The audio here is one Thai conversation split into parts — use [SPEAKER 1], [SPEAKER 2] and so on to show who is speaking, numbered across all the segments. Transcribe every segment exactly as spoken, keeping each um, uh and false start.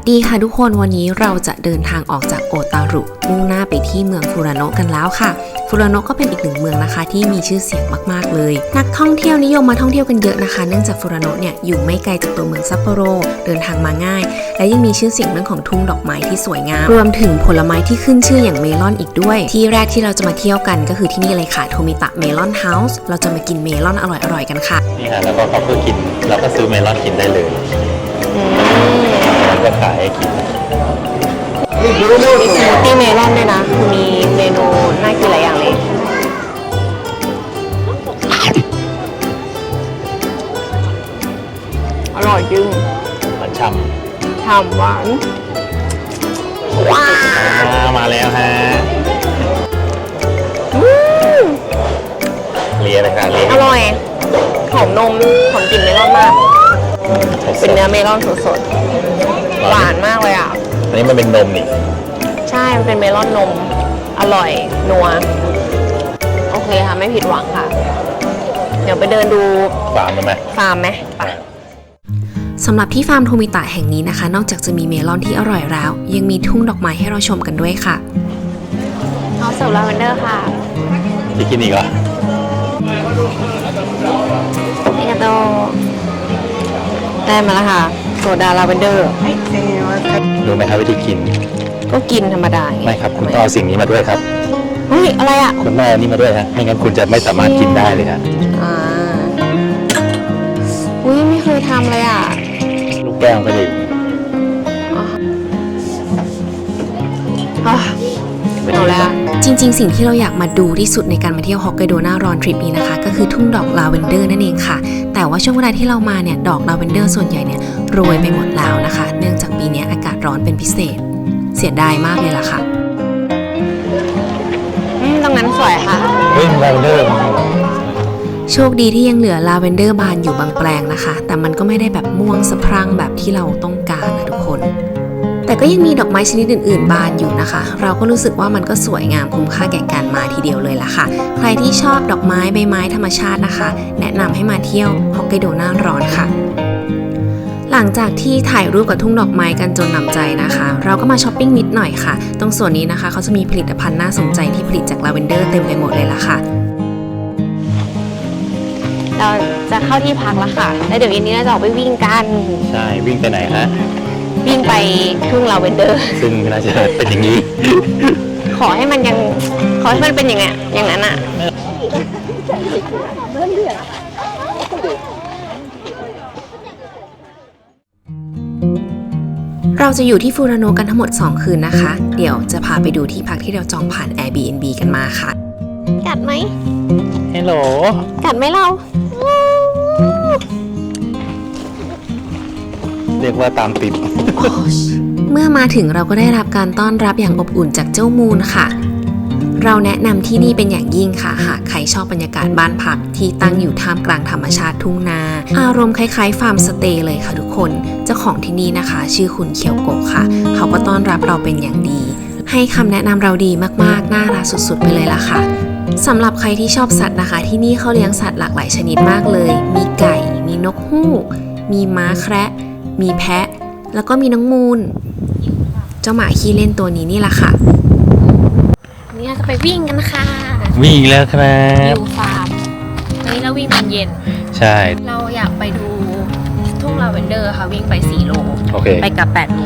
[SPEAKER 1] ดีค่ะทุกคนวันนี้เราจะเดินทางออกจากโอตารุมุ่งหน้าไปที่เมืองฟูรานโนะกันแล้วค่ะฟูรานโนะก็เป็นอีกหนึ่งเมืองนะคะที่มีชื่อเสียงมากๆเลยนักท่องเที่ยวนิยมมาท่องเที่ยวกันเยอะนะคะเนื่องจากฟูรานโนะเนี่ยอยู่ไม่ไกลจากตัวเมืองซัปโปโรเดินทางมาง่ายและยังมีชื่อเสียงเรื่องของทุ่งดอกไม้ที่สวยงามรวมถึงผลไม้ที่ขึ้นชื่ออย่างเมลอนอีกด้วยที่แรกที่เราจะมาเที่ยวกันก็คือที่นี่เลยค่ะโทมิตะเมลอนเฮาส์เราจะมากินเมลอนอร่อยๆกันค่ะ
[SPEAKER 2] นี่ค่ะแล้วก็เขาเพื่อกินแล้วก็ซื้อเมลอนกินได้เลยแล้วก็ขายให้กิน
[SPEAKER 1] มีสมูทตี้เมลอนด้วยนะมีเมนูน่ากินหลายอย่างเลยอร่อยจริง
[SPEAKER 2] หวานฉ่
[SPEAKER 1] ำฉ่ำหวานว้าว
[SPEAKER 2] มาแล้วฮะเลียเลยค่ะเลีย
[SPEAKER 1] อร่อยหอมนมหอมกลิ่นเมลอนมากเป็นเนื้อเมลอนสดๆหวานมากเลยอ่ะ
[SPEAKER 2] อันนี้มันเป็นนมนี่
[SPEAKER 1] ใช่มันเป็นเมลอนนมอร่อยนัวโอเคค่ะไม่ผิดหวังค่ะเดี๋ยวไปเดินดู
[SPEAKER 2] ฟาร์มไหม
[SPEAKER 1] ฟาร์มไหมไปสำหรับที่ฟาร์มโทมิตะแห่งนี้นะคะนอกจากจะมีเมลอนที่อร่อยแล้วยังมีทุ่งดอกไม้ให้เราชมกันด้วยค่ะเอาเสิร์ฟลาเวนเดอร์ค่ะ
[SPEAKER 2] จะกินอีกเหรอ
[SPEAKER 1] นี่ก็ได้มาแล้วค่ะโซดาลาเวนเดอร์
[SPEAKER 2] รู้ไหมครับวิธีกิน
[SPEAKER 1] ก็กินธรรมดา
[SPEAKER 2] ไม่ครับคุณต้องเอาสิ่งนี้มาด้วยครับ
[SPEAKER 1] เฮ้ยอะไรอ่ะ
[SPEAKER 2] คุณแม่นี่มาด้วยฮะไม่งั้นคุณจะไม่สามารถกินได้เลยฮะ
[SPEAKER 1] อ่าอุ้ยไม่เคยทำเลยอ่ะ
[SPEAKER 2] ลูกแก้วก็ดี
[SPEAKER 1] เอาแล้วจริงๆสิ่งที่เราอยากมาดูที่สุดในการมาเที่ยวฮอกไกโดหน้าร้อนทริปนี้นะคะก็คือทุ่งดอกลาเวนเดอร์นั่นเองค่ะแต่ว่าช่วงเวลาที่เรามาเนี่ยดอกลาเวนเดอร์ส่วนใหญ่เนี่ยโรยไปหมดแล้วนะคะเนื่องจากปีนี้อากาศร้อนเป็นพิเศษเสียดายมากเลยล่ะค่ะอืมตรงนั้นสวยค่ะ
[SPEAKER 2] เฮ้ยลาเวนเดอร์
[SPEAKER 1] โชคดีที่ยังเหลือลาเวนเดอร์บานอยู่บางแปลงนะคะแต่มันก็ไม่ได้แบบม่วงสะพรั่งแบบที่เราต้องการนะทุกคนแต่ก็ยังมีดอกไม้ชนิดอื่นๆบานอยู่นะคะเราก็รู้สึกว่ามันก็สวยงามคุ้มค่าแก่การมาทีเดียวเลยล่ะค่ะใครที่ชอบดอกไม้ใบไม้ธรรมชาตินะคะแนะนำให้มาเที่ยวฮอกไกโดหน้าร้อนค่ะหลังจากที่ถ่ายรูปกับทุ่งดอกไม้กันจนหนำใจนะคะเราก็มาช้อปปิ้งนิดหน่อยค่ะตรงส่วนนี้นะคะเขาจะมีผลิตภัณฑ์น่าสนใจที่ผลิตจากลาเวนเดอร์เต็มไปหมดเลยล่ะค่ะเราจะเข้าที่พักแล้วค่ะแล้วเดี๋ยวเย็นนี้เราจะออกไปวิ่งกัน
[SPEAKER 2] ใช่วิ่งไปไหนฮะ
[SPEAKER 1] วิ่งไปทุ่งลาเวนเดอร์
[SPEAKER 2] ซึ่งน่าจะเป็นอย่างนี้
[SPEAKER 1] ขอให้มันยังขอให้มันเป็นอย่างเงี้ยอย่างนั้นอ่ะเราจะอยู่ที่ฟูรานโนะกันทั้งหมดสองคืนนะคะเดี๋ยวจะพาไปดูที่พักที่เราจองผ่าน Airbnb กันมาค่ะกัดไหม
[SPEAKER 2] ฮัลโหล
[SPEAKER 1] กัดไหมเรา
[SPEAKER 2] เรียกว่าตามติด
[SPEAKER 1] เมื่อมาถึงเราก็ได้รับการต้อนรับอย่างอบอุ่นจากเจ้ามูนค่ะเราแนะนำที่นี่เป็นอย่างยิ่งค่ะหากใครชอบบรรยากาศบ้านพักที่ตั้งอยู่ท่ามกลางธรรมชาติทุ่งนาอารมณ์คล้ายๆฟาร์มสเตย์เลยค่ะทุกคนเจ้าของที่นี่นะคะชื่อคุณเคียวโกะค่ะเขาก็ต้อนรับเราเป็นอย่างดีให้คำแนะนำเราดีมากๆน่ารักสุดๆไปเลยล่ะค่ะสำหรับใครที่ชอบสัตว์นะคะที่นี่เขาเลี้ยงสัตว์หลากหลายชนิดมากเลยมีไก่มีนกฮูกมีม้าแคระมีแพะแล้วก็มีน้องมูนเจ้าหมาขี้เล่นตัวนี้นี่แหละค่ะนี่เราจะไปวิ่งกันค่ะ
[SPEAKER 2] วิ่งแล้วครับ
[SPEAKER 1] อยู่ฟาร์มวันนี้เราวิ่งตอนเย็น
[SPEAKER 2] ใช่
[SPEAKER 1] เราอยากไปดูทุ่งลาเวนเดอร์ค่ะวิ่งไปสี่โล
[SPEAKER 2] okay.
[SPEAKER 1] ไปกับแปดโล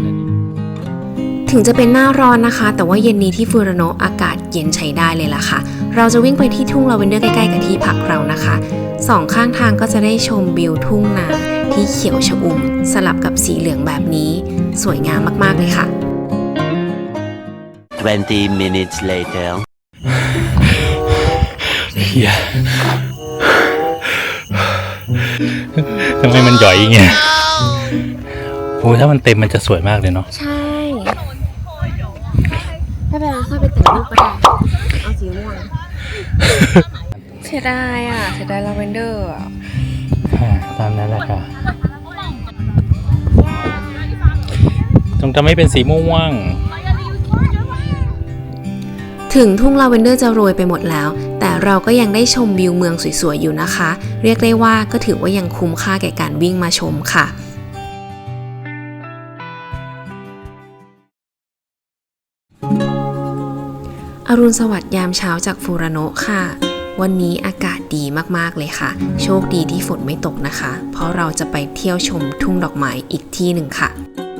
[SPEAKER 1] ถึงจะเป็นหน้าร้อนนะคะแต่ว่าเย็นนี้ที่ฟูรานโนะอากาศเย็นใช้ได้เลยล่ะค่ะเราจะวิ่งไปที่ทุ่งลาเวนเดอร์ใกล้ๆกับที่พักเรานะคะสองข้างทางก็จะได้ชมวิวทุ่งนาที่เขียวชอุ่มสลับกับสีเหลืองแบบนี้สวยงามมากๆเลยค่ะ
[SPEAKER 3] twenty minutes later
[SPEAKER 2] เฮียทำไมมันหย่อยอย่างเงี้ยโอ้ถ้ามันเต็มมันจะสวยมากเลยเนาะ
[SPEAKER 1] ใช่ไม่เป็นไรค่อยไปแต่งรูปก็ได้เอาสีม่วงเสียดายอ่ะเสียดายลาเวนเดอร์อ่ะ
[SPEAKER 2] ตามนั้นแหละค่ะจงทำให้เป็นสีม่วง
[SPEAKER 1] ถึงทุ่งลาเวนเดอร์จะโรยไปหมดแล้วแต่เราก็ยังได้ชมวิวเมืองสวยๆอยู่นะคะเรียกได้ว่าก็ถือว่ายังคุ้มค่าแก่การวิ่งมาชมค่ะอรุณสวัสดิ์ยามเช้าจากฟูรานโนะค่ะวันนี้อากาศดีมากๆเลยค่ะโชคดีที่ฝนไม่ตกนะคะ เพราะเราจะไปเที่ยวชมทุ่งดอกไม้อีกที่หนึ่งค่ะ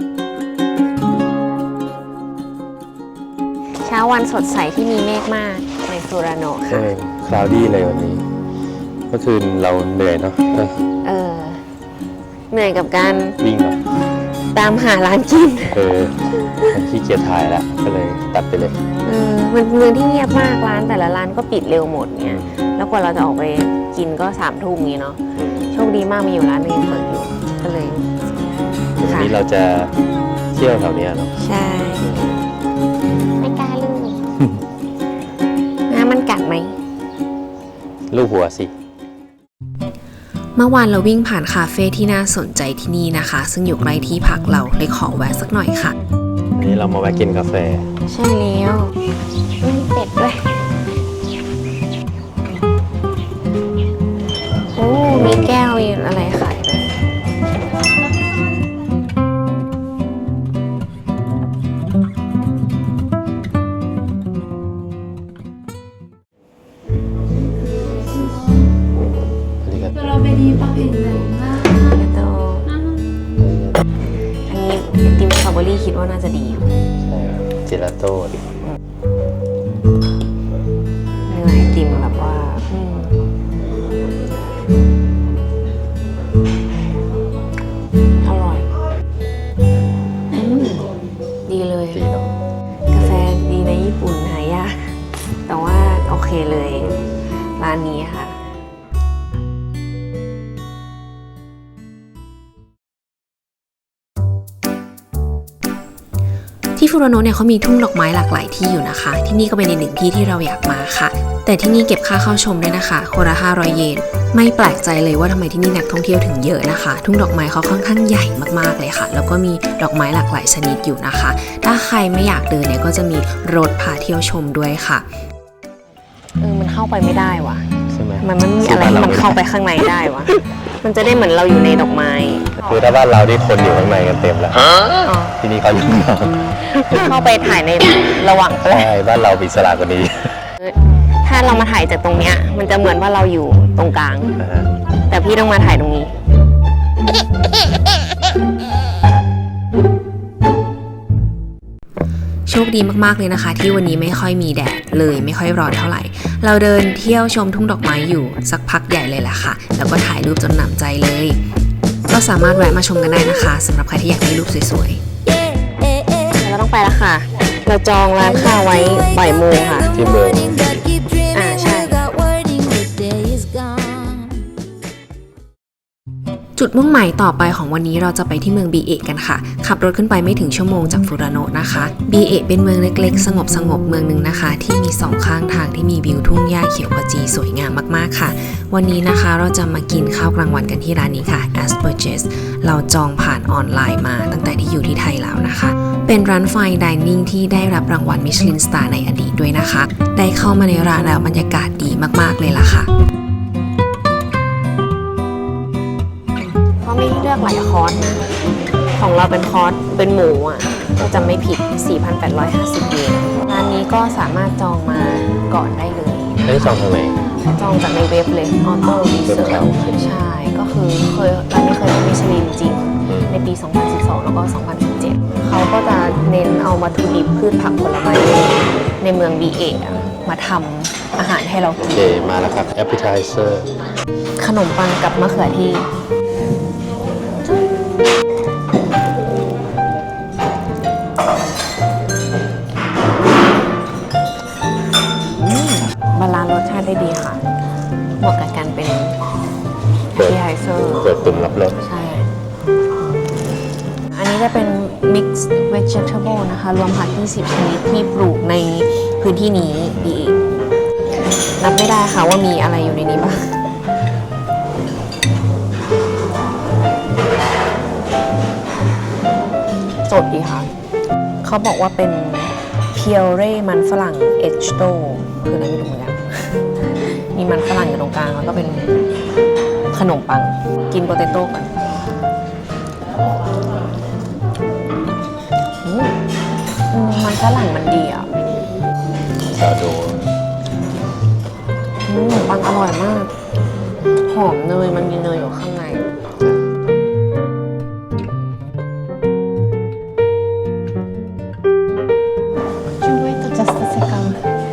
[SPEAKER 1] เช้าวันสดใสที่มีเมฆมากในฟูรานโนะค่ะ
[SPEAKER 4] คลาวดี้เลยวันนี้เมื่อคืนเราเหนื่อยเนาะ
[SPEAKER 1] เออเหนื่อยกับการ
[SPEAKER 4] วิ่งเหรอ
[SPEAKER 1] ตามหาร้านกิน
[SPEAKER 4] เออขี้เกียจถ่ายแล้วก็เลยตัดไปเลย
[SPEAKER 1] เออมันเมืองที่เงียบมากร้านแต่ละร้านก็ปิดเร็วหมดเนี่ยแล้วกว่าเราจะออกไปกินก็สามทุ่มนี้เนาะโชคดีมากมีอยู่ร้านนึงยังเปิดอยู่ก็เลย
[SPEAKER 4] วัน
[SPEAKER 1] ค่ะ
[SPEAKER 4] นี้เราจะเที่ยวแถวเนี้ยเนาะ
[SPEAKER 1] ใช่ไม่กล้าลูกน้ำมันกัดไหม
[SPEAKER 4] ลูกหัวสิ
[SPEAKER 1] เมื่อวานเราวิ่งผ่านคาเฟ่ที่น่าสนใจที่นี่นะคะ ซึ่งอยู่ใกล้ที่พักเราเลยขอแวะสักหน่อยค่ะ
[SPEAKER 4] วันนี้เรามาแวะกินกาแฟ
[SPEAKER 1] ใช่แล้วมีเป็ดด้วยโอ้มีแก้วมีอะไรขายด้วย
[SPEAKER 4] อันนี้ก็
[SPEAKER 5] ストロベリーパフェになります。
[SPEAKER 1] เดี๋ยวโตอันนี้ไอติมสตรอเบอรี่คิดว่าน่าจะดีอยู่
[SPEAKER 4] ใช่เจลาโต้ดิ
[SPEAKER 1] เนื้อไอติมแบบว่าอืมอร่อยอืมดีเลย
[SPEAKER 4] ดีเนาะ
[SPEAKER 1] กาแฟดีในญี่ปุ่นหายากแต่ว่าโอเคเลยร้านนี้ค่ะที่ฟูรานโนะเนี่ยเขามีทุ่งดอกไม้หลากหลายที่อยู่นะคะที่นี่ก็เป็นอีกหนึ่งที่ที่เราอยากมาค่ะแต่ที่นี่เก็บค่าเข้าชมด้วยนะคะคนละห้าร้อยเยนไม่แปลกใจเลยว่าทำไมที่นี่นักท่องเที่ยวถึงเยอะนะคะทุ่งดอกไม้เขาค่อนข้างใหญ่มากๆเลยค่ะแล้วก็มีดอกไม้หลากหลายชนิดอยู่นะคะถ้าใครไม่อยากเดินเนี่ยก็จะมีรถพาเที่ยวชมด้วยค่ะเออมันเข้าไปไม่ได้ว่ะ
[SPEAKER 4] ใช่ไหม
[SPEAKER 1] มันไม่มีอะไรที่มันเข้าไปข้างในได้วะมันจะได้เหมือนเราอยู่ในดอกไม้
[SPEAKER 4] คือถ้าบ้านเราที่คนอยู่ข้างในกันเต็มแล้ว
[SPEAKER 1] อ๋อ
[SPEAKER 4] ที่นี่เขาอยู่ข้างนอก
[SPEAKER 1] เข้าไปถ่ายในระหว่างแร
[SPEAKER 4] ใช่
[SPEAKER 1] ก
[SPEAKER 4] บ้านเรามีสลากกว่านี้
[SPEAKER 1] ถ้าเรามาถ่ายจากตรงเนี้ยมันจะเหมือนว่าเราอยู่ตรงกลาง
[SPEAKER 4] นะฮะ
[SPEAKER 1] แต่พี่ต้องมาถ่ายตรงนี้ โชคดีมากๆเลยนะคะ ที่วันนี้ไม่ค่อยมีแดดเลยไม่ค่อยร้อนเท่าไหร่ เราเดินเที่ยวชมทุ่งดอกไม้อยู่สักพักใหญ่เลยแหละค่ะ แล้วก็ถ่ายรูปจนหนำใจเลย ก็สามารถแวะมาชมกันได้นะคะสำหรับใครที่อยากได้รูปสวยๆเราต้องไปแล้วค่ะ เราจองร้านข้าวไว้บ่ายโมงค่ะ
[SPEAKER 4] ที่เมือง
[SPEAKER 1] อ่าใช่ จุดมุ่งหมายต่อไปของวันนี้เราจะไปที่เมืองบีเอะกันค่ะ ขับรถขึ้นไปไม่ถึงชั่วโมงจากฟูรานโนะนะคะบีเอะเป็นเมืองเล็กๆ สงบสงบๆเมืองหนึ่งนะคะ ที่มีสองข้างทางที่มีวิวทุ่งหญ้าเขียวขจีสวยงามมากๆค่ะ วันนี้นะคะเราจะมากินข้าวกลางวันกันที่ร้านนี้ค่ะ Asperges เราจองผ่านออนไลน์มาตั้งแต่ที่อยู่ที่ไทยแล้วนะคะ เป็นร้านไฟน์ไดนิ่งที่ได้รับรางวัลมิชลินสตาร์ในอดีตด้วยนะคะ ได้เข้ามาในร้านแล้วบรรยากาศดีมากๆเลยล่ะค่ะเขามีให้เลือกหลายคอร์สนะของเราเป็นคอร์สเป็นหมูอ่ะก็จะไม่ผิด สี่พันแปดร้อยห้าสิบ เยนร้านนี้ก็สามารถจองมาก่อนได้เลย
[SPEAKER 4] ไม่ได้จองทางไหน
[SPEAKER 1] จองจากในเว็บเลยออโต้รีเซิร์ชใช่ ก็คือเคยร้านนี้เคยได้มิชลินจริง ในปี สองพันสิบสอง แล้วก็ สองพันสิบเจ็ด เขาก็จะเน้นเอาวัตถุดิบพืชผักผลไม้ในเมืองบีเอะมาทำอาหารให้เรา
[SPEAKER 4] โอ
[SPEAKER 1] กิน
[SPEAKER 4] เคมาแล้วครับ appetizer
[SPEAKER 1] ขนมปังกับมะเขือเทศบาลานซ์รสชาติได้ดีค่ะเหมาะกับการเป็น
[SPEAKER 4] เปิด
[SPEAKER 1] appetizer
[SPEAKER 4] เปิดตุ่มรับรส
[SPEAKER 1] ใช่ อันนี้จะเป็น mixed vegetable นะคะ รวมผักยี่สิบชนิดที่ปลูกในพื้นที่นี้ดีนับไม่ได้ค่ะว่ามีอะไรอยู่ในนี้บ้าง สดดีค่ะ เขาบอกว่าเป็นเพียวเร่มันฝรั่งเอชโตคืออะไรไม่รู้เหมือนกัน มีมันฝรั่งอยู่ตรงกลางแล้วก็เป็นขนมปัง กินโปเตโต้ก่อนอืมอืมมันฝรั่งมันดีอ่ะ
[SPEAKER 4] ซาดู
[SPEAKER 1] มปังอร่อยมาก หอมเนยมันมีเนยอยู่ข้างในช่วยตัว just a second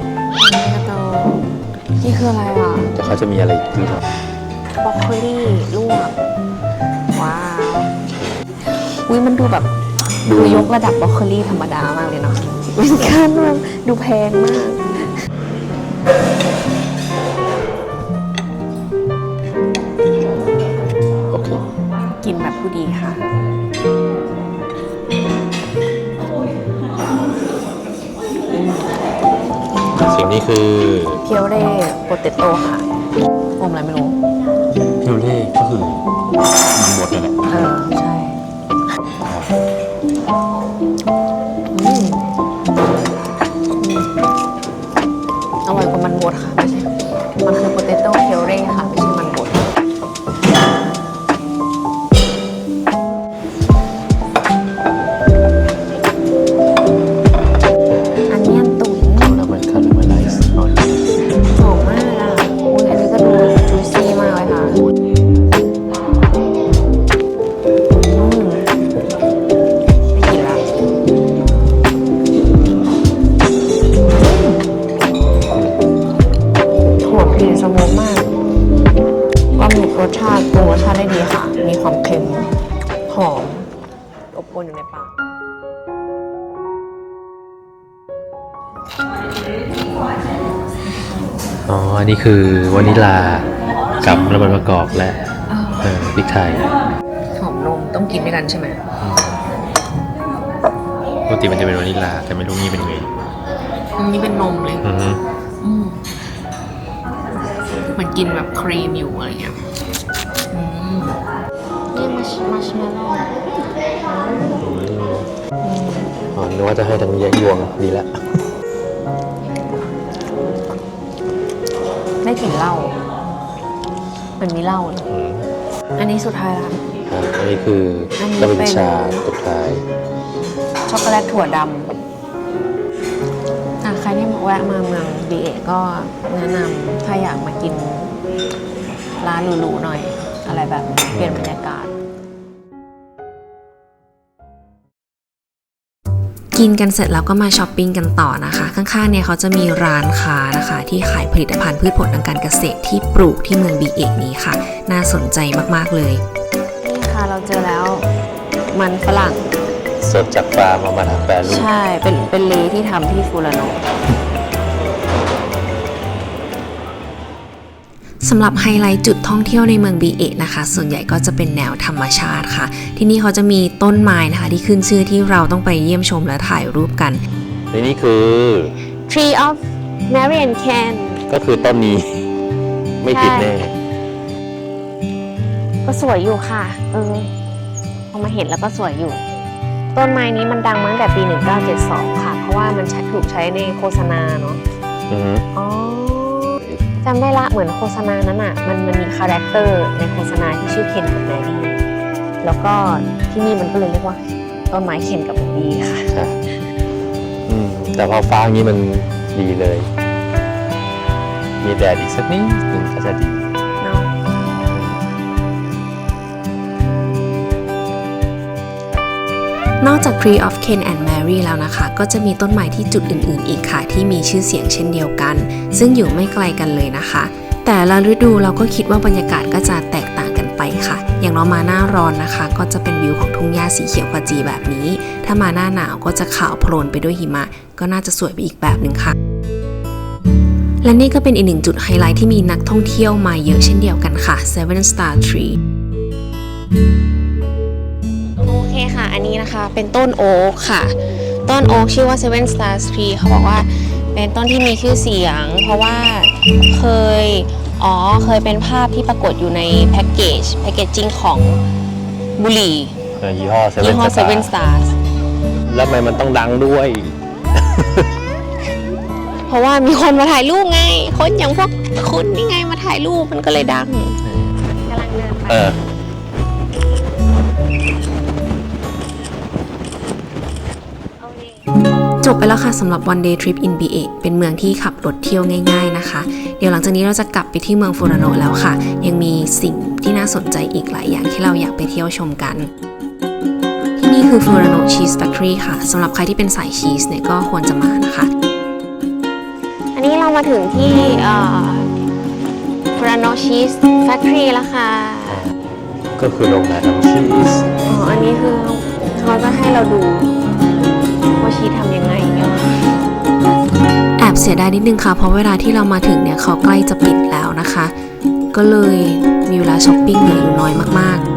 [SPEAKER 1] นี่คืออะไรอ่ะ
[SPEAKER 4] แต่เขาจะมีอะไรอีกที่เรา
[SPEAKER 1] บรอกโคลี่ลวก ว้าว อุ้ยมันดูแบบดูยกระดับบรอกโคลี่ธรรมดามากเลยเนาะเป็นการแบบดูแพงมาก
[SPEAKER 4] โอเค
[SPEAKER 1] กินแบบผู้ดีค่ะ
[SPEAKER 4] สิ่งนี้คือ
[SPEAKER 1] เพียวเร่โปเตโต้ค่ะอมอะไรไม่รู้
[SPEAKER 4] พิวเล่ก็คือมันบดเลยแหละ
[SPEAKER 1] เออ ใช่อืมอร่อยกว่ามันบดค่ะ ไม่ใช่ มันคือโปเตโต้เพียวเร่ค่ะ ไม่ใช่มันบดอันเนียนตุ๋น
[SPEAKER 4] แล้วมันคาราเมลไลซ์หน่อย
[SPEAKER 1] หอมมากอ่ะอุ้ยอันนี้ก็ดูจูซี่มากเลยค่ะอืมไม่กินละหอมกลิ่นสโมกมากปลาหมึกรสชาติปรุงรสชาติได้ดีค่ะ มีความเค็ม หอม อบอวลอยู่ในปาก
[SPEAKER 4] อ๋อ อันนี้คือวานิลากับน้ำมันมะกอกและเออพริกไทย
[SPEAKER 1] หอมนมต้องกินด้วยกันใช่ไหม
[SPEAKER 4] ปกติมันจะเป็นวานิลาแต่ไม่รู้นี่เป็นไง
[SPEAKER 1] อันนี้เป็นนมเลย
[SPEAKER 4] อือฮึ
[SPEAKER 1] อืมเหมือนกินแบบครีมอยู่อะไรเงี้ยอืมนี่มัชมัชเมลโล่
[SPEAKER 4] อ๋อนึกว่าจะให้ทั้งแยกยวงดีแล้ว
[SPEAKER 1] ได้กลิ่นเหล้ามันมีเหล้าเลย
[SPEAKER 4] อืม
[SPEAKER 1] อันนี้สุดท้ายละ
[SPEAKER 4] อ่ะอันนี้คืออน
[SPEAKER 1] นี้
[SPEAKER 4] น้ำมัน
[SPEAKER 1] เป็น
[SPEAKER 4] ชาสุดท้าย
[SPEAKER 1] ช็อกโกแลตถั่วดำอ่ะใครที่แวะมาเมืองบีเอก็แนะนำถ้าอยากมากินร้านหรูๆหน่อย อะไรแบบนี้เปลี่ยนบรรยากาศ กินกันเสร็จแล้วก็มาช้อปปิ้งกันต่อนะคะ ข้างๆเนี่ยเขาจะมีร้านค้านะคะ ที่ขายผลิตภัณฑ์พืชผลทางการเกษตรที่ปลูกที่เมืองบีเอกนี้ค่ะ น่าสนใจมากๆเลย นี่ค่ะเราเจอแล้วมันฝรั่ง
[SPEAKER 4] สดจากฟาร์มเอามาทำแปรรูป
[SPEAKER 1] ใช่ เป็นเป็นเลที่ทำที่ฟูรานโนสำหรับไฮไลท์จุดท่องเที่ยวในเมืองบีเอะนะคะ ส่วนใหญ่ก็จะเป็นแนวธรรมชาติค่ะ ที่นี่เขาจะมีต้นไม้นะคะที่ขึ้นชื่อที่เราต้องไปเยี่ยมชมและถ่ายรูปกัน
[SPEAKER 4] ในนี่คือ
[SPEAKER 1] Tree of Marian Can
[SPEAKER 4] ก็คือต้นนี้ ไม่ผิดแน่
[SPEAKER 1] ก็สวยอยู่ค่ะ เออพอมาเห็นแล้วก็สวยอยู่ ต้นไม้นี้มันดังมาตั้งแต่ปี หนึ่งเก้าเจ็ดสอง ค่ะ เพราะว่ามันใช้ถูกใช้ในโฆษณาเนาะ
[SPEAKER 4] อือฮึ
[SPEAKER 1] อ๋อจำได้ละเหมือนโฆษณานั้นอ่ะ มันมันมีคาแรคเตอร์ในโฆษณาที่ชื่อเคนกับแมรี่แล้วก็ที่นี่มันก็เลยเรียกว่าต้นไม้เคนกับแมรี่ค่ะ
[SPEAKER 4] ค่ะอืมแต่พอฟ้าอย่างนี้มันดีเลย มีแดดอีกสักนิดหนึ่งก็จะดี
[SPEAKER 1] เนาะนอกจาก Tree of Ken and Mary แล้วนะคะ ก็จะมีต้นไม้ที่จุดอื่นๆอีกค่ะ ที่มีชื่อเสียงเช่นเดียวกัน ซึ่งอยู่ไม่ไกลกันเลยนะคะ แต่ละฤดูเราก็คิดว่าบรรยากาศก็จะแตกต่างกันไปค่ะ อย่างเรามาหน้าร้อนนะคะ ก็จะเป็นวิวของทุ่งหญ้าสีเขียวขจีแบบนี้ ถ้ามาหน้าหนาวก็จะขาวโพลนไปด้วยหิมะ ก็น่าจะสวยไปอีกแบบหนึ่งค่ะ และนี่ก็เป็นอีกหนึ่งจุดไฮไลท์ที่มีนักท่องเที่ยวมาเยอะเช่นเดียวกันค่ะ Seven Star Tree โอเคค่ะ อันนี้นะคะเป็นต้นโอ๊กค่ะ ต้นโอ๊กชื่อว่า Seven Star Tree เขาบอกว่าเป็นต้นที่มีชื่อเสียง เพราะว่าเคย อ๋อ เคยเป็นภาพที่ปรากฏอยู่ในแพ็กเกจ แพ็กเกจจิ้งของบุหรี่
[SPEAKER 4] เออยี่ห้อเซเว่
[SPEAKER 1] ยี่
[SPEAKER 4] น
[SPEAKER 1] ห้อ
[SPEAKER 4] สตา
[SPEAKER 1] Seven
[SPEAKER 4] ร์
[SPEAKER 1] Stars
[SPEAKER 4] แล้วทำไมมันต้องดังด้วย
[SPEAKER 1] เพราะว่ามีคนมาถ่ายรูปไง คนอย่างพวกคุณนี่ไงมาถ่ายรูปมันก็เลยดังกำลังเดินไป
[SPEAKER 4] เออ
[SPEAKER 1] เอาดิจบไปแล้วค่ะสำหรับ one day trip in บี เอ เป็นเมืองที่ขับรถเที่ยวง่ายๆนะคะเดี๋ยวหลังจากนี้เราจะกลับไปที่เมืองฟูรานโนะแล้วค่ะยังมีสิ่งที่น่าสนใจอีกหลายอย่างที่เราอยากไปเที่ยวชมกันที่นี่คือฟูรานโนะชีสแฟคทอรี่ค่ะสำหรับใครที่เป็นสายชีสเนี่ยก็ควรจะมานะคะอันนี้เรามาถึงที่ฟูรานโนะชีสแฟคทอรี่แล้วค่ะ
[SPEAKER 4] ก็คือโรงงานทำชีส
[SPEAKER 1] อ๋ออันนี้คือเขาจะให้เราดูว่าชีสทำยังไงเนี่ยแอบเสียดายนิดนึงค่ะเพราะเวลาที่เรามาถึงเนี่ยเขาใกล้จะปิดแล้วนะคะก็เลยมีเวลาช้อปปิ้งเหลืออยู่น้อยมากๆ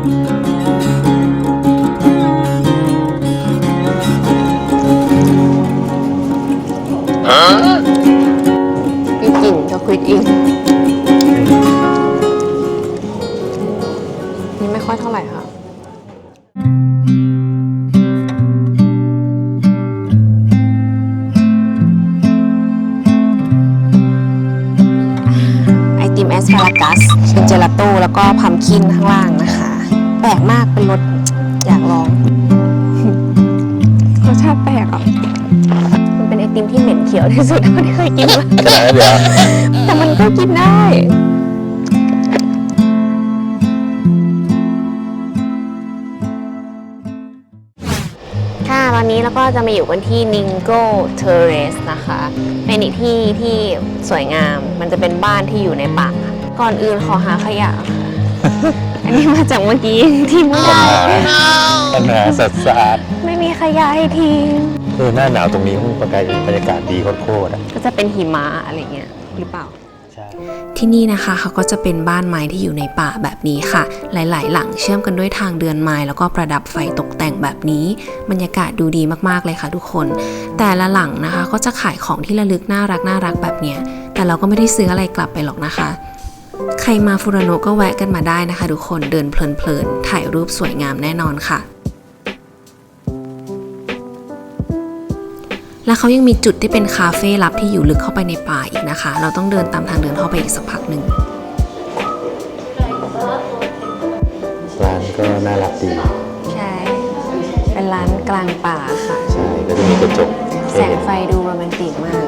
[SPEAKER 1] มีกลิ่นช็อกโกแลตอิงนี่ไม่ค่อยเท่าไหร่ค่ะไอติมแอสพารากัสเป็นเจลาโต้แล้วก็พัมคินข้างล่างนะคะแปลกมากเป็นรสอยากลองรสชาติแปลกอ่ะมันเป็นไอติมที่เหม็นเขียวที่สุดเท่าที่เคยกินมา
[SPEAKER 4] ขนาดนั้นเดียว
[SPEAKER 1] แต่มันก็กินได้ค่ะตอนนี้เราก็จะมาอยู่กันที่ Ningo Terrace นะคะ เป็นอีกที่ที่สวยงาม มันจะเป็นบ้านที่อยู่ในป่า ก่อนอื่นขอหาขยะค่ะ อันนี้มาจากเมื่อกี้ทิ้งไม่ได้
[SPEAKER 4] ปัญหาสัตว์สะอาด
[SPEAKER 1] ไม่มีขยะให้ทิ้ง
[SPEAKER 4] เออหน้าหนาวตรงนี้บรรยากาศบรรยากาศดีโคตรๆอ่ะ
[SPEAKER 1] ก็จะเป็นหิมะอะไรเงี้ยหรือเปล่า
[SPEAKER 4] ใช่
[SPEAKER 1] ที่นี่นะคะเขาก็จะเป็นบ้านไม้ที่อยู่ในป่าแบบนี้ค่ะหลายๆหลังเชื่อมกันด้วยทางเดินไม้แล้วก็ประดับไฟตกแต่งแบบนี้บรรยากาศดูดีมากๆเลยค่ะทุกคนแต่ละหลังนะคะก็จะขายของที่ระลึกน่ารักน่ารักแบบเนี้ยแต่เราก็ไม่ได้ซื้ออะไรกลับไปหรอกนะคะใครมาฟูรานโนะก็แวะกันมาได้นะคะทุกคนเดินเพลินๆถ่ายรูปสวยงามแน่นอนค่ะและเขายังมีจุดที่เป็นคาเฟ่ลับที่อยู่ลึกเข้าไปในป่าอีกนะคะเราต้องเดินตามทางเดินเข้าไปอีกสักพักหนึ่ง
[SPEAKER 4] ร้านก็น่ารักดี
[SPEAKER 1] ใช่เป็นร้านกลางป่าค่ะ
[SPEAKER 4] ใช่ก็จะมีกระจก
[SPEAKER 1] แสงไฟดูโรแมนติกมาก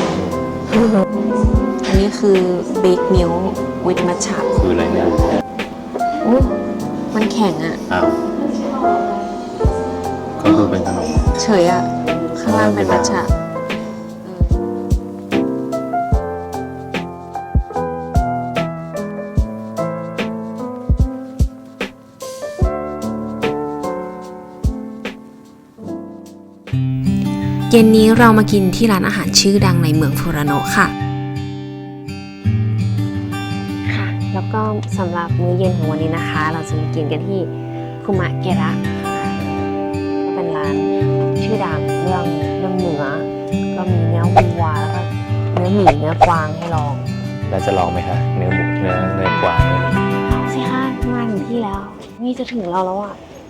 [SPEAKER 1] อันนี้คือ Big Milk with Matcha
[SPEAKER 4] คืออะไรเนี่ย
[SPEAKER 1] อุ้ยมันแข็งอ่ะ
[SPEAKER 4] อ้าวก็คือเป็นขนม
[SPEAKER 1] เฉยอ่ะข้างล่างเป็นมัทฉะเย็นนี้เรามากินที่ร้านอาหารชื่อดังในเมืองฟูรานโนะค่ะค่ะแล้วก็สำหรับมื้อเย็นของวันนี้นะคะเราจะมากินกันที่คุมะเกระก็เป็นร้านชื่อดังเรื่องเรื่องเนื้อก็มีเนื้อวัวแล้วก็เนื้อหมีเนื้อกวางให้ลอง
[SPEAKER 4] เราจะลองไหมคะเนื้อหมูเนื้อเนื้อกวาง
[SPEAKER 1] ลองสิคะมาถึงที่แล้วนี่จะถึงเราแล้วอ่ะ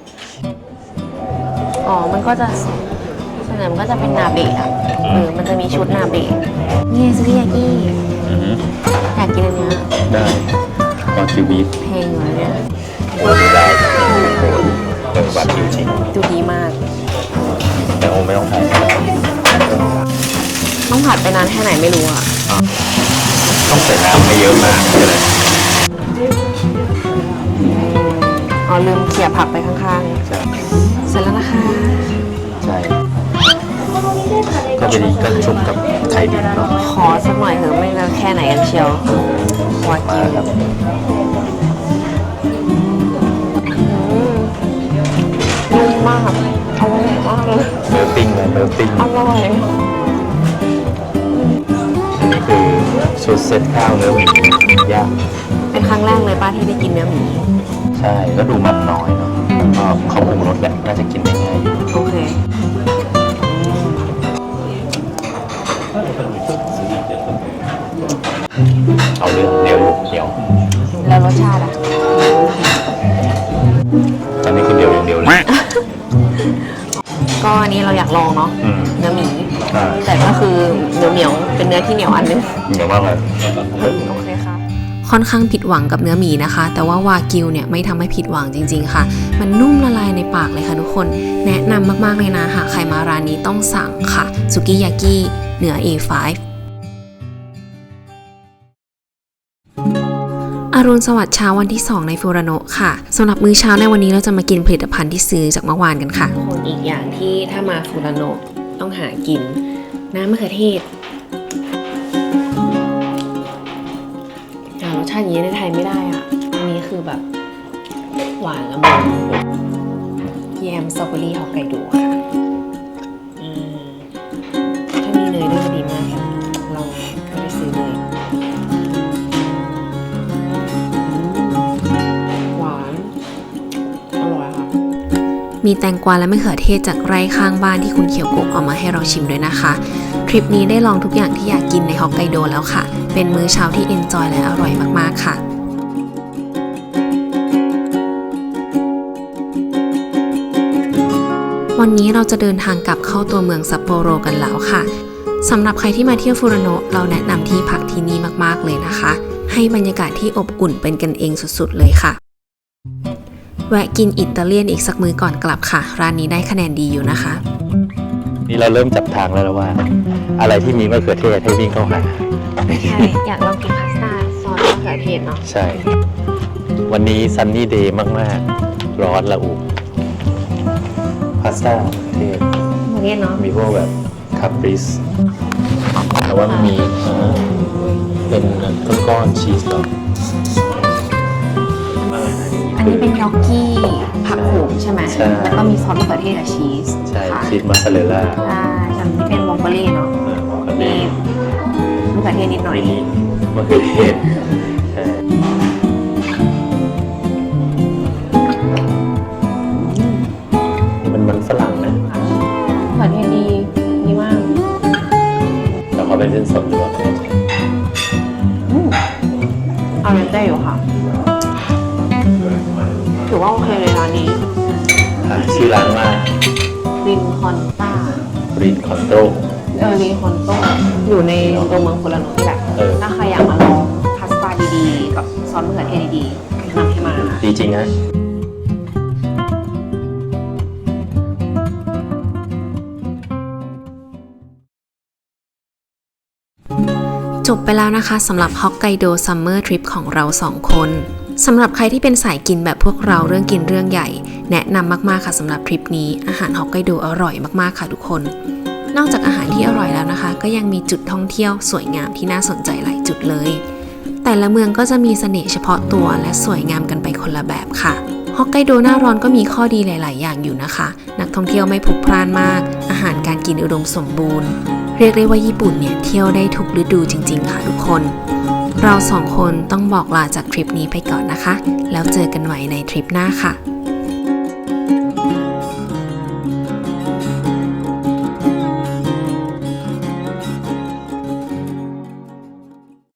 [SPEAKER 1] อ๋อมันก็จะส่วนใหญ่มันก็จะเป็นนาเบะอ่ะเออมันจะมีชุดนาเบะนี่ซุกิยากิอยากกินอันเนี้ย
[SPEAKER 4] ได้วากิวบีฟ
[SPEAKER 1] แพงอยู่เนี่ย
[SPEAKER 4] โอ้ดูได้เออวากิวจริง
[SPEAKER 1] ดูดีมาก
[SPEAKER 4] แต่โอไม่ต้องถ่าย
[SPEAKER 1] ต้องผัดไปนานแค่ไหนไม่รู้อ่ะ
[SPEAKER 4] ต้องใส่น้ำไม่เยอะมากเลย
[SPEAKER 1] อ๋อลืมเขี่ยผักไปข้างๆเสร็จแล้วนะคะ
[SPEAKER 4] ใช่ก็เป็นก็ชุบกับไข่ดิบเนาะ
[SPEAKER 1] ขอสักหน่อยเถอะไม่รู้แค่ไหนกันเชียววากิวนุ่มมากอร่อยมากเลย
[SPEAKER 4] เนื้อปิ้งเลยเนื้อปิ้ง
[SPEAKER 1] อร่อย
[SPEAKER 4] นี่คือชุดเซตข้าวเนื้อหมีย่าง
[SPEAKER 1] เป็นครั้งแรกเลยป้าที่ได้กินเนื้อหมี
[SPEAKER 4] ใช่ก็ดูมันน้อยเนาะก็เขาปรุงรสแหละน่าจะกินได้ง่ายอยู่
[SPEAKER 1] โอเค
[SPEAKER 4] เอาเรื่องเดี๋ยวเดี๋ยว
[SPEAKER 1] แล้วรสชาติอ่ะ
[SPEAKER 4] ตอนนี้คือเดียวอย่างเดียวเลย
[SPEAKER 1] ก็อันนี้เราอยากลองเนาะเนื้อหมีแต่ก็คือเหนียวเหนียวเป็นเนื้อที่เหนียวอันนึง
[SPEAKER 4] เหนียวมากเลย
[SPEAKER 1] โอเคค่ะค่อนข้างผิดหวังกับเนื้อหมีนะคะแต่ว่าวากิวเนี่ยไม่ทำให้ผิดหวังจริงๆค่ะมันนุ่มละลายในปากเลยค่ะทุกคนแนะนำมากๆเลยนะหากใครมาร้านนี้ต้องสั่งค่ะสุกิยากิเหนือ เอ ไฟว์ อรุณสวัสดิ์เช้าวันที่สองในฟูรานโนะค่ะสำหรับมื้อเช้าในวันนี้เราจะมากินผลิตภัณฑ์ที่ซื้อจากเมื่อวานกันค่ะคนอีกอย่างที่ถ้ามาฟูรานโนะต้องหากินน้ำมะเขือเทศรสชาติอย่างนี้ในไทยไม่ได้อ่ะอันนี้คือแบบหวานละมุนแยมสตรอเบอรี่ฮอกไกโดค่ะอืมถ้ามีเนยด้วยก็ดีมากค่ะเราก็ไปซื้อเลยหวานอร่อยค่ะมีแตงกวาและมะเขือเทศจากไร่ข้างบ้านที่คุณเขียวโกะเอามาให้เราชิมด้วยนะคะทริปนี้ได้ลองทุกอย่างที่อยากกินในฮอกไกโดแล้วค่ะเป็นมื้อเช้าที่เอนจอยและอร่อยมากๆค่ะวันนี้เราจะเดินทางกลับเข้าตัวเมืองซัปโปโรกันแล้วค่ะสำหรับใครที่มาเที่ยวฟูรานโนะเราแนะนำที่พักที่นี่มากๆเลยนะคะให้บรรยากาศที่อบอุ่นเป็นกันเองสุดๆเลยค่ะแวะกินอิตาเลียนอีกสักมื้อก่อนกลับค่ะร้านนี้ได้คะแนนดีอยู่นะคะ
[SPEAKER 4] นี่เราเริ่มจับทางแล้วนะว่า อะไรที่มีมะเขือเทศให้วิ่งเข้าหา
[SPEAKER 1] ใช่อยากลองกินพาสต้าซอสมะเขือเทศเนาะ
[SPEAKER 4] ใช่วันนี้ซันนี่เดย์มากๆร้อนละอุพาสต้าเทศ
[SPEAKER 1] มะเขือเทศเนาะ
[SPEAKER 4] มีพวกแบบคาปริสแต่ว่ามันมีเป็นก้อนๆชีสก่อน
[SPEAKER 1] อันนี้เป็นน็อกกี้ผักโขมใช่ไหม
[SPEAKER 4] ใช่
[SPEAKER 1] แล้วก็มีซอสมะเขือเทศกับชีส
[SPEAKER 4] ใช่ชีสมอสซาเรลล่า
[SPEAKER 1] ใช่ส่วนนี้เป็นวองเบอรี่เนาะมีมะเขือเทศนิดหน่อย
[SPEAKER 4] นี่มะเขือเทศมันมันฝรั่งนะ
[SPEAKER 1] มะเขือเทศดีดีมาก
[SPEAKER 4] แต่เขาเป็นเส้นสดหรือเปล่า
[SPEAKER 1] เอาเรนเต้อยู่ค่ะถือว่าโอเคเลยร้านนี้
[SPEAKER 4] ชื่อร้านว่า
[SPEAKER 1] รินคอนต้า
[SPEAKER 4] รินคอนโต
[SPEAKER 1] เออรินคอนโตอยู่ในตัวเมืองฟูรานโนะนี่แหละถ้าใครอยากมาลองพาสต้าดีๆกับซอสมะเขือเทศดีๆแนะนำให้มา
[SPEAKER 4] ดีจริงนะ
[SPEAKER 1] จบไปแล้วนะคะสำหรับฮอกไกโดซัมเมอร์ทริปของเราสองคนสำหรับใครที่เป็นสายกินแบบพวกเราเรื่องกินเรื่องใหญ่แนะนำมากๆค่ะสำหรับทริปนี้อาหารฮอกไกโดอร่อยมากๆค่ะทุกคนนอกจากอาหารที่อร่อยแล้วนะคะก็ยังมีจุดท่องเที่ยวสวยงามที่น่าสนใจหลายจุดเลยแต่ละเมืองก็จะมีเสน่ห์เฉพาะตัวและสวยงามกันไปคนละแบบค่ะฮอกไกโดหน้าร้อนก็มีข้อดีหลายๆอย่างอยู่นะคะนักท่องเที่ยวไม่พลุกพล่านมากอาหารการกินอุดมสมบูรณ์เรียกได้ว่าญี่ปุ่นเนี่ยเที่ยวได้ทุกฤดูจริงๆค่ะทุกคนเราสองคนต้องบอกลาจากทริปนี้ไปก่อนนะคะแล้วเจอกันใหม่ในทริปหน้าค่ะ